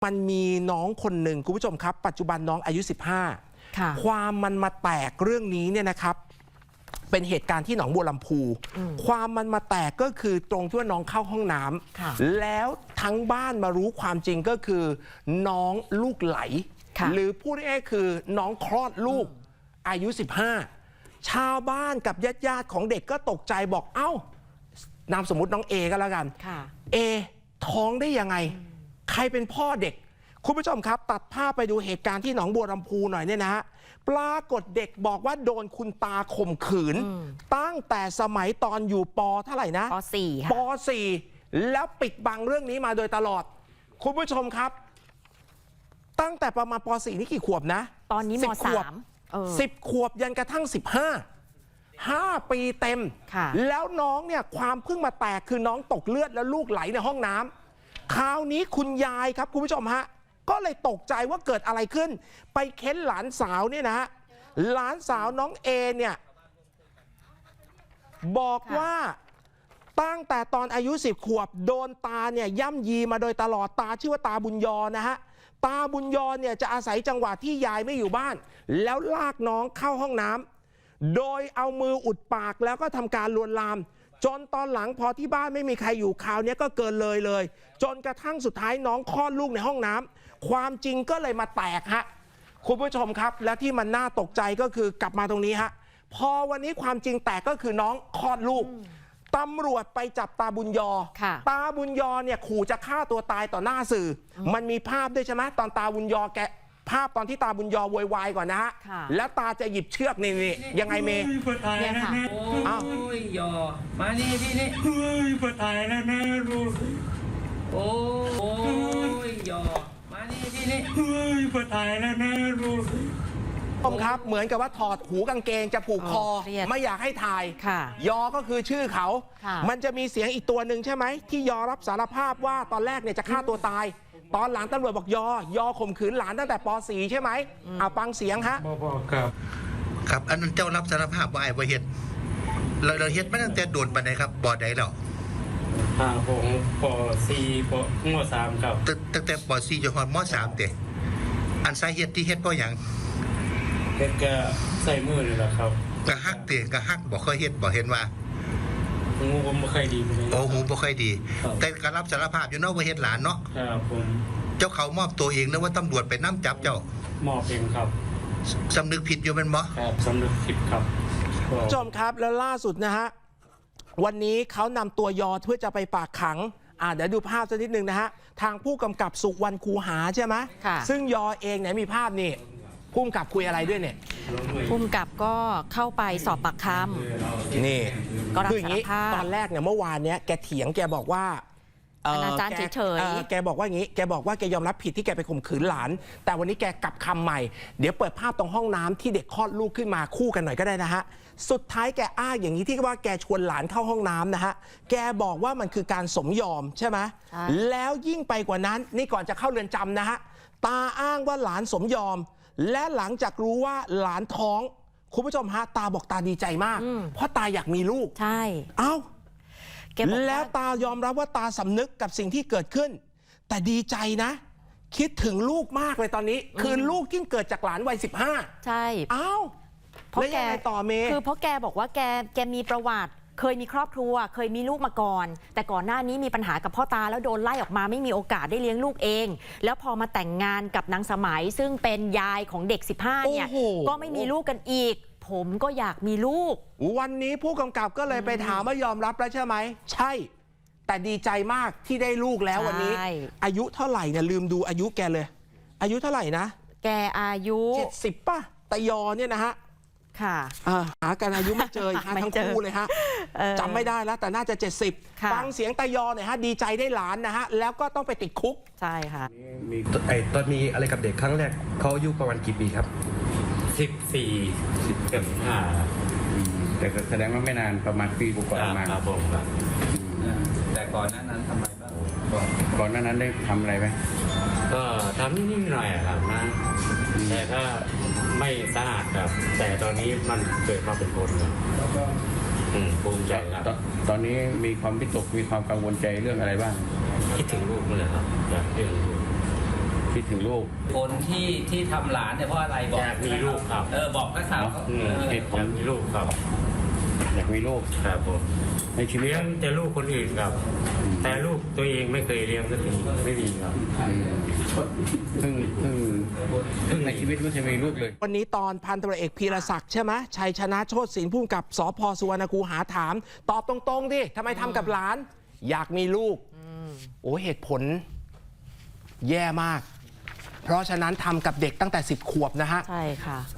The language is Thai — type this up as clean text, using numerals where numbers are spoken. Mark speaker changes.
Speaker 1: มันมีน้องคนหนึ่งคุณผู้ชมครับปัจจุบันน้องอายุ15ความมันมาแตกเรื่องนี้เนี่ยนะครับเป็นเหตุการณ์ที่หนองบัวลำพูความมันมาแตกก็คือตรงที่ว่าน้องเข้าห้องน้ำแล้วทั้งบ้านมารู้ความจริงก็คือน้องลูกไหลหรือพูดง่ายๆคือน้องคลอดลูกอายุ15ชาวบ้านกับญาติของเด็กก็ตกใจบอกเอ้านามสมมุติน้องเอก็แล้วกันเอท้องได้ยังไงใครเป็นพ่อเด็กคุณผู้ชมครับตัดภาพไปดูเหตุการณ์ที่หนองบัวลำพูหน่อยเนี่ยนะฮะปรากฏเด็กบอกว่าโดนคุณตาข่มขืนตั้งแต่สมัยตอนอยู่ป.เท่าไหร่นะป.4 ป.4 แล้วปิดบังเรื่องนี้มาโดยตลอดคุณผู้ชมครับตั้งแต่ประมาณป.4 นี่กี่ขวบนะ
Speaker 2: ตอนนี้ม
Speaker 1: .3 10 ขวบยันกระทั่ง5 ปีเต็มแล้วน้องเนี่ยความเพิ่งมาแตกคือน้องตกเลือดแล้วลูกไหลในห้องน้ำคราวนี้คุณยายครับคุณผู้ชมฮะก็เลยตกใจว่าเกิดอะไรขึ้นไปเค้นหลานสาวเนี่ยนะฮะหลานสาวน้องเอเนี่ยบอกว่าตั้งแต่ตอนอายุ10 ขวบโดนตาเนี่ยย่ำยีมาโดยตลอดตาชื่อว่าตาบุญยอนะฮะตาบุญยอเนี่ยจะอาศัยจังหวะที่ยายไม่อยู่บ้านแล้วลากน้องเข้าห้องน้ำโดยเอามืออุดปากแล้วก็ทำการลวนลามจนตอนหลังพอที่บ้านไม่มีใครอยู่คราวนี้ก็เกินเลยจนกระทั่งสุดท้ายน้องคลอดลูกในห้องน้ำความจริงก็เลยมาแตกฮะคุณผู้ชมครับและที่มันน่าตกใจก็คือกลับมาตรงนี้ฮะพอวันนี้ความจริงแตกก็คือน้องคลอดลูกตำรวจไปจับตาบุญยอตาบุญยอเนี่ยขู่จะฆ่าตัวตายต่อหน้าสื่อมันมีภาพด้วยใช่ไหมตอนตาบุญยอแกภาพตอนที่ตาบุญยอโวยวายก่อนนะฮะแล้วตาจะหยิบเชือกนี่ยังไงเมย์
Speaker 3: เนี่ยค่ะ
Speaker 4: อ้าวหยอมานี่พี่นี่เฮ้ยปวดตายแล้วนะลูกโอ้ยหยอมานี่พี่นี่เฮ้ยปวดตายแล้วนะลูก
Speaker 1: ครับเหมือนกับว่าถอดหูกางเกงจะผูกคอไม่อยากให้ถ่ายยอก็คือชื่อเขามันจะมีเสียงอีกตัวหนึ่งใช่ไหมที่ยอรับสารภาพว่าตอนแรกเนี่ยจะฆ่าตัวตายตอนหลังตำรวจบอกยอข่มขืนหลานตั้งแต่ป .4 ใช่ไหมฟังเสียงฮะ
Speaker 5: ครับอันนั้นเจ้ารับสารภาพว่าไอ้บ่เฮ็ดเราเฮ็ดมาตั้งแต่โดนปานใดครับบ่ใดแล้ว
Speaker 3: ผมป .4 ป ม .3 ครับ
Speaker 5: ตั้งแต่ป .4 จนฮอดม .3 เด้อันสาเหตุที่เฮ็ดเพราะหยัง
Speaker 3: เฮ็ดก็ใส่มือนี่แหละครับ
Speaker 5: กะฮักเด้กะฮักบ่เคยเฮ็ดบ่เห็นว่า
Speaker 3: หูผมบ่ค่อยดี
Speaker 5: โอ้หูบ่ค่อยดีแต่ก็รับสารภาพอยู่เนาะว่าเฮ็ดหลานเนาะ
Speaker 3: ครับผม
Speaker 5: เจ้าเขามอบตัวเองหรือว่าตำรวจไปนำจับเจ้
Speaker 3: ามอบเองครับ
Speaker 5: สำนึกผิดอยู่เป็นบ่
Speaker 3: ครับสำนึกผิดครับ
Speaker 1: จอมครับแล้วล่าสุดนะฮะวันนี้เขานำตัวยอเพื่อจะไปฝากขังเดี๋ยวดูภาพสักนิดนึงนะฮะทางผู้กำกับสุวรรณคูหาใช่ไหมซึ่งยอเองเนี่ยมีภาพนี่ผู้กำกับคุยอะไรด้วยเนี่ย
Speaker 2: ผู้กำกับก็เข้าไปสอบปากค
Speaker 1: ำนี่คืออย่างนี้ตอนแรกเนี่ยเมื่อวานเนี้ยแกเถียงแกบอกว่า
Speaker 2: อนาจารย์เฉย
Speaker 1: ๆแกบอกว่าอย่างนี้แกบอกว่าแกยอมรับผิดที่แกไปข่มขืนหลานแต่วันนี้แกกลับคำใหม่เดี๋ยวเปิดภาพตรงห้องน้ำที่เด็กคลอดลูกขึ้นมาคู่กันหน่อยก็ได้นะฮะสุดท้ายแกอ้างอย่างนี้ที่ว่าแกชวนหลานเข้าห้องน้ำนะฮะแกบอกว่ามันคือการสมยอมใช่ไหมแล้วยิ่งไปกว่านั้นนี่ก่อนจะเข้าเรือนจำนะฮะตาอ้างว่าหลานสมยอมและหลังจากรู้ว่าหลานท้องคุณผู้ชมฮะตาบอกตาดีใจมากเพราะตาอยากมีลูก
Speaker 2: ใช่
Speaker 1: แล้วตายอมรับว่าตาสำนึกกับสิ่งที่เกิดขึ้นแต่ดีใจนะคิดถึงลูกมากเลยตอนนี้คือลูกที่เกิดจากหลานวัย15
Speaker 2: ใช่
Speaker 1: เพราะแกต่อเมย์
Speaker 2: คือเพราะแกบอกว่าแกมีประวัติเคยมีครอบครัวเคยมีลูกมาก่อนแต่ก่อนหน้านี้มีปัญหากับพ่อตาแล้วโดนไล่ออกมาไม่มีโอกาสได้เลี้ยงลูกเองแล้วพอมาแต่งงานกับนางสมัยซึ่งเป็นยายของเด็ก15เนี่ยก็ไม่มีลูกกันอีกผมก็อยากมีลูก
Speaker 1: วันนี้ผู้กำกับก็เลยไปถามว่ายอมรับแล้วใช่ไหมใช่แต่ดีใจมากที่ได้ลูกแล้ววันนี้อายุเท่าไหร่เนี่ยลืมดูอายุแกเลยอายุเท่าไหร่นะ
Speaker 2: แกอายุ
Speaker 1: 70ป่ะตายอเนี่ยนะฮะ
Speaker 2: ค่ะ
Speaker 1: หากันอายุไม่เจอทั้งคู่เลยฮะจำไม่ได้แล้วแต่น่าจะ70ฟังเสียงตายอหน่อยฮะดีใจได้หลานนะฮะแล้วก็ต้องไปติดคุก
Speaker 2: ใช่ค่ะ
Speaker 6: มีตอนมีอะไรกับเด็กครั้งแรกเขาอายุประมาณกี่ปีครับ
Speaker 3: 14 15
Speaker 6: แต่แสดงว่าไม่นานประมาณปีกว่าๆมา
Speaker 3: ครับผมครับแต่ก่อนนั้นทำไมบ้าง
Speaker 6: ก่อนนั้นได้ทำอะไรไหม
Speaker 3: ก็ทำนิดหน่อยครับนะแต่ถ้าไม่สะอาดครับแต่ตอนนี้มันเกิดมาเป็นคนครับภูมิใจครับ
Speaker 6: ตอนนี้มีความวิตกมีความกังวลใจเรื่องอะไรบ้าง
Speaker 3: คิดถึงลูกเลยครับอยากเรื่องลูกคิดถึงลูก
Speaker 4: คนที่ทำหลานเนี่ยเพราะอะไรบอก
Speaker 3: อยากมีลูกครับ
Speaker 4: บอกนักข่าวเขา
Speaker 3: เหตุผลมีลูกครับ อยากมีลูกครับผมในชีวิตเลี้ยงแต่ลูกคนอื่นครับ แต่ลูกตัวเองไม่เคยเลี้ยงสักทีไม่มีครับเพิ่งในชีวิตไม่เคยมีลูกเลย
Speaker 1: วันนี้ตอนพันตำรวจเอกพีรศักดิ์ใช่ไหมชัยชนะโชติศิลป์ผู้กำกับสพสุวรรณคูหาถาม ตอบตรงๆดิทำไมทำกับหลาน อยากมีลูกโอ้เหตุผลแย่มาก เพราะฉะนั้นทำกับเด็กตั้งแต่10 ขวบนะฮะ
Speaker 2: ใช่ค่ะ